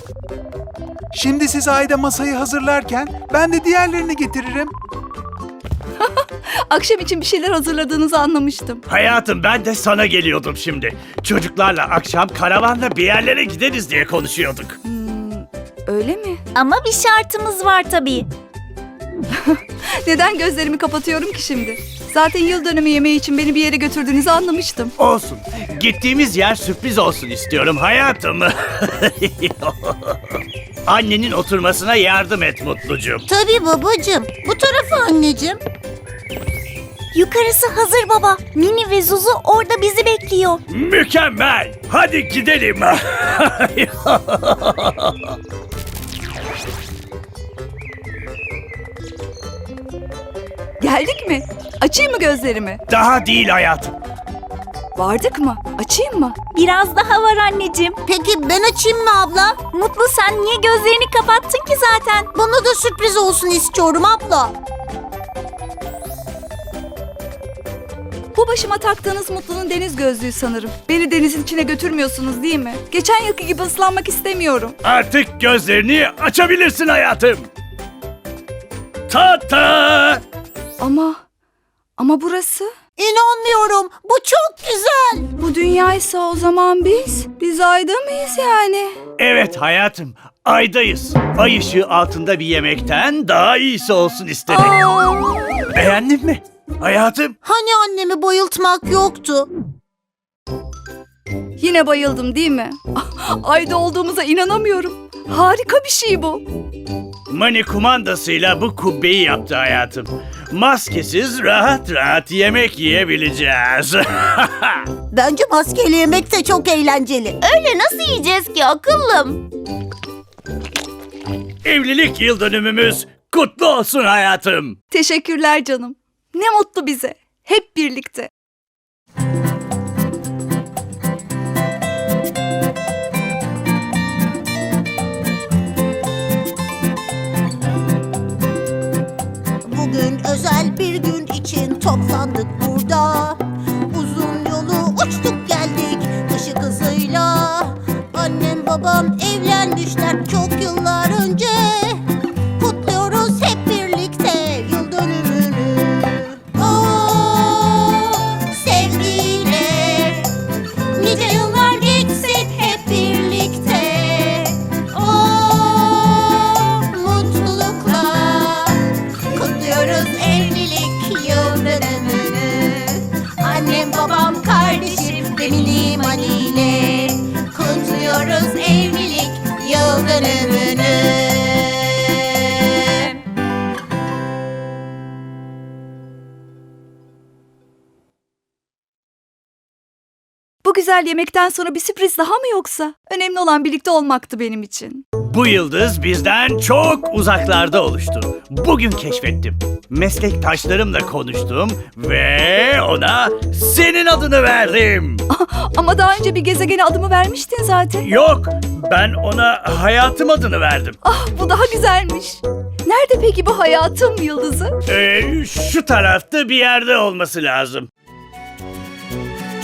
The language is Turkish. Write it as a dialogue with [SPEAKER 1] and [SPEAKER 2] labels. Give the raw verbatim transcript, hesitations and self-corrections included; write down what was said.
[SPEAKER 1] Şimdi siz Ayda masayı hazırlarken ben de diğerlerini getiririm.
[SPEAKER 2] Akşam için bir şeyler hazırladığınızı anlamıştım.
[SPEAKER 3] Hayatım, ben de sana geliyordum şimdi. Çocuklarla akşam karavanla bir yerlere gideriz diye konuşuyorduk.
[SPEAKER 2] Öyle mi?
[SPEAKER 4] Ama bir şartımız var tabii.
[SPEAKER 2] Neden gözlerimi kapatıyorum ki şimdi? Zaten yıl dönümü yemeği için beni bir yere götürdüğünüzü anlamıştım.
[SPEAKER 3] Olsun. Gittiğimiz yer sürpriz olsun istiyorum hayatım. Annenin oturmasına yardım et Mutlucuğum.
[SPEAKER 5] Tabii babacığım. Bu tarafı anneciğim.
[SPEAKER 4] Yukarısı hazır baba. Mini ve Zuzu orada bizi bekliyor.
[SPEAKER 3] Mükemmel. Hadi gidelim.
[SPEAKER 2] Geldik mi? Açayım mı gözlerimi?
[SPEAKER 3] Daha değil hayatım.
[SPEAKER 2] Vardık mı? Açayım mı?
[SPEAKER 4] Biraz daha var anneciğim.
[SPEAKER 5] Peki ben açayım mı abla?
[SPEAKER 4] Mutlu, sen niye gözlerini kapattın ki zaten?
[SPEAKER 5] Bana da sürpriz olsun istiyorum abla.
[SPEAKER 2] Bu başıma taktığınız Mutlu'nun deniz gözlüğü sanırım. Beni denizin içine götürmüyorsunuz değil mi? Geçen yılki gibi ıslanmak istemiyorum.
[SPEAKER 3] Artık gözlerini açabilirsin hayatım. Ta-ta!
[SPEAKER 2] Ama, ama burası?
[SPEAKER 5] İnanmıyorum. Bu çok güzel.
[SPEAKER 2] Bu dünyaysa o zaman biz, biz ayda mıyız yani?
[SPEAKER 3] Evet hayatım, aydayız. Ay ışığı altında bir yemekten daha iyisi olsun istedik.
[SPEAKER 2] Aa!
[SPEAKER 3] Beğendin mi? Hayatım,
[SPEAKER 5] Hani annemi bayıltmak yoktu?
[SPEAKER 2] Yine bayıldım değil mi? Ayda olduğumuza inanamıyorum. Harika bir şey bu.
[SPEAKER 3] Mani kumandasıyla bu kubbeyi yaptı hayatım. Maskesiz rahat rahat yemek yiyebileceğiz.
[SPEAKER 5] Bence maskeyle yemek de çok eğlenceli.
[SPEAKER 4] Öyle nasıl yiyeceğiz ki akıllım?
[SPEAKER 3] Evlilik yıl dönümümüz kutlu olsun hayatım.
[SPEAKER 2] Teşekkürler canım. Ne mutlu bize. Hep birlikte.
[SPEAKER 5] Bugün özel bir gün için toplandık burada. Uzun yolu uçtuk geldik ışık hızıyla. Annem babam evlenmişler çok yıllar önce. Kutluyoruz hep birlikte yıl dönümünü. Oo, sevgiyle nice yıllar geçsin hep birlikte. Oo, mutlulukla kutluyoruz evlilik yıl dönümünü. Annem babam kardeşim ve mini maniyle kutluyoruz evlilik yıl dönümünü.
[SPEAKER 2] Bu güzel yemekten sonra bir sürpriz daha mı yoksa? Önemli olan birlikte olmaktı benim için.
[SPEAKER 3] Bu yıldız bizden çok uzaklarda oluştu. Bugün keşfettim. Meslektaşlarımla konuştum ve ona senin adını verdim.
[SPEAKER 2] Ama daha önce bir gezegene adımı vermiştin zaten.
[SPEAKER 3] Yok, ben ona hayatım adını verdim.
[SPEAKER 2] Ah, bu daha güzelmiş. Nerede peki bu hayatım yıldızı?
[SPEAKER 3] Ee, şu tarafta bir yerde olması lazım.